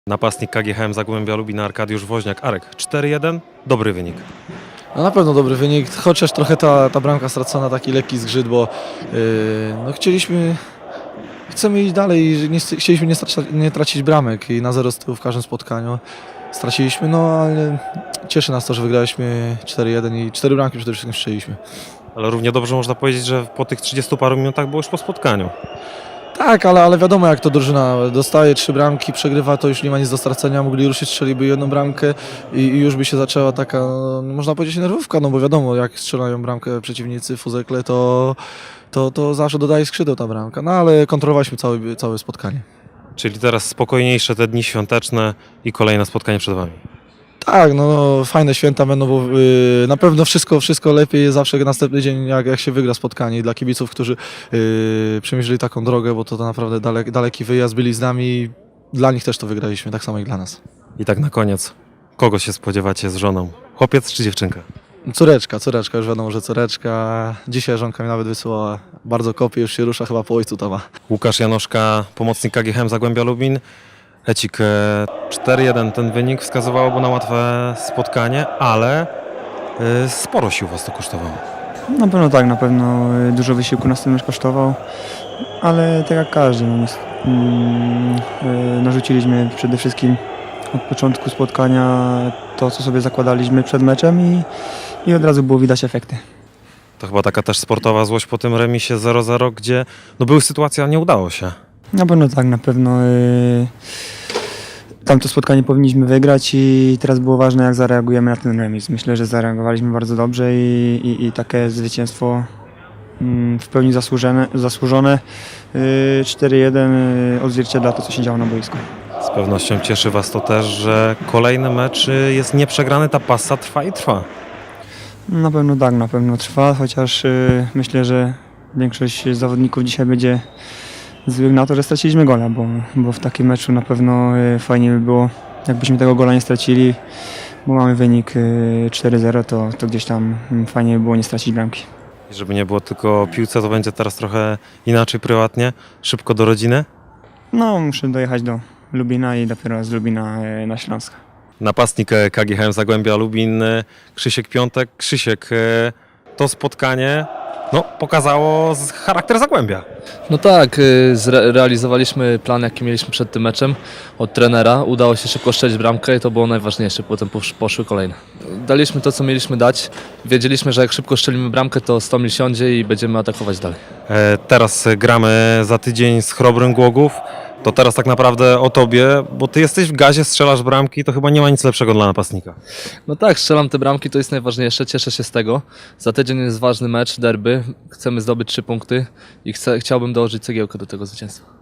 Napastnik KGHM Zagłębia Lubin Arkadiusz Woźniak. Arek, 4-1, dobry wynik. No na pewno dobry wynik, chociaż trochę ta bramka stracona, taki lekki zgrzyt, bo no chcemy iść dalej i chcieliśmy nie tracić bramek i na 0 z tyłu w każdym spotkaniu straciliśmy, no ale cieszy nas to, że wygraliśmy 4-1 i 4 bramki przede wszystkim strzeliśmy. Ale równie dobrze można powiedzieć, że po tych 30 paru minutach było już po spotkaniu. Tak, ale wiadomo jak to drużyna dostaje 3 bramki, przegrywa, to już nie ma nic do stracenia, mogli ruszyć, strzeliby jedną bramkę i już by się zaczęła taka, no, można powiedzieć, nerwówka, no bo wiadomo jak strzelają bramkę przeciwnicy fuzekle, to zawsze dodaje skrzydeł ta bramka, no ale kontrolowaliśmy całe spotkanie. Czyli teraz spokojniejsze te dni świąteczne i kolejne spotkanie przed Wami. Tak, no fajne święta będą, bo na pewno wszystko lepiej jest zawsze następny dzień, jak się wygra spotkanie. I dla kibiców, którzy przemierzyli taką drogę, bo to naprawdę daleki wyjazd, byli z nami, dla nich też to wygraliśmy, tak samo jak dla nas. I tak na koniec, kogo się spodziewacie z żoną? Chłopiec czy dziewczynka? Córeczka, już wiadomo, że córeczka. Dzisiaj żonka mi nawet wysyłała, bardzo kopie, już się rusza, chyba po ojcu to ma. Łukasz Janoszka, pomocnik KGHM Zagłębia Lubin. Ecik, 4-1 ten wynik wskazywałoby na łatwe spotkanie, ale sporo sił Was to kosztowało. Na pewno tak, na pewno dużo wysiłku nas ten mecz kosztował, ale tak jak każdy, narzuciliśmy przede wszystkim od początku spotkania to, co sobie zakładaliśmy przed meczem i od razu było widać efekty. To chyba taka też sportowa złość po tym remisie 0-0, gdzie no były sytuacje, a nie udało się. Na pewno tak, na pewno tamto spotkanie powinniśmy wygrać i teraz było ważne, jak zareagujemy na ten remis. Myślę, że zareagowaliśmy bardzo dobrze i takie zwycięstwo w pełni zasłużone. 4-1 odzwierciedla to, co się działo na boisku. Z pewnością cieszy Was to też, że kolejny mecz jest nieprzegrany, ta pasa trwa i trwa. Na pewno tak, na pewno trwa, chociaż myślę, że większość zawodników dzisiaj będzie złych na to, że straciliśmy gola, bo w takim meczu na pewno fajnie by było, jakbyśmy tego gola nie stracili, bo mamy wynik 4-0, to gdzieś tam fajnie by było nie stracić bramki. I żeby nie było tylko o piłce, to będzie teraz trochę inaczej prywatnie, szybko do rodziny. No, muszę dojechać do Lubina i dopiero z Lubina na Śląsk. Napastnik KGHM Zagłębia Lubin, Krzysiek Piątek. Krzysiek, to spotkanie pokazało charakter Zagłębia. No tak, zrealizowaliśmy plan, jaki mieliśmy przed tym meczem od trenera. Udało się szybko strzelić bramkę i to było najważniejsze, potem poszły kolejne. Daliśmy to, co mieliśmy dać. Wiedzieliśmy, że jak szybko strzelimy bramkę, to Stomil siądzie i będziemy atakować dalej. Teraz gramy za tydzień z Chrobrym Głogów. To teraz tak naprawdę o Tobie, bo Ty jesteś w gazie, strzelasz bramki, to chyba nie ma nic lepszego dla napastnika. No tak, strzelam te bramki, to jest najważniejsze, cieszę się z tego. Za tydzień jest ważny mecz, derby, chcemy zdobyć 3 punkty i chciałbym dołożyć cegiełkę do tego zwycięstwa.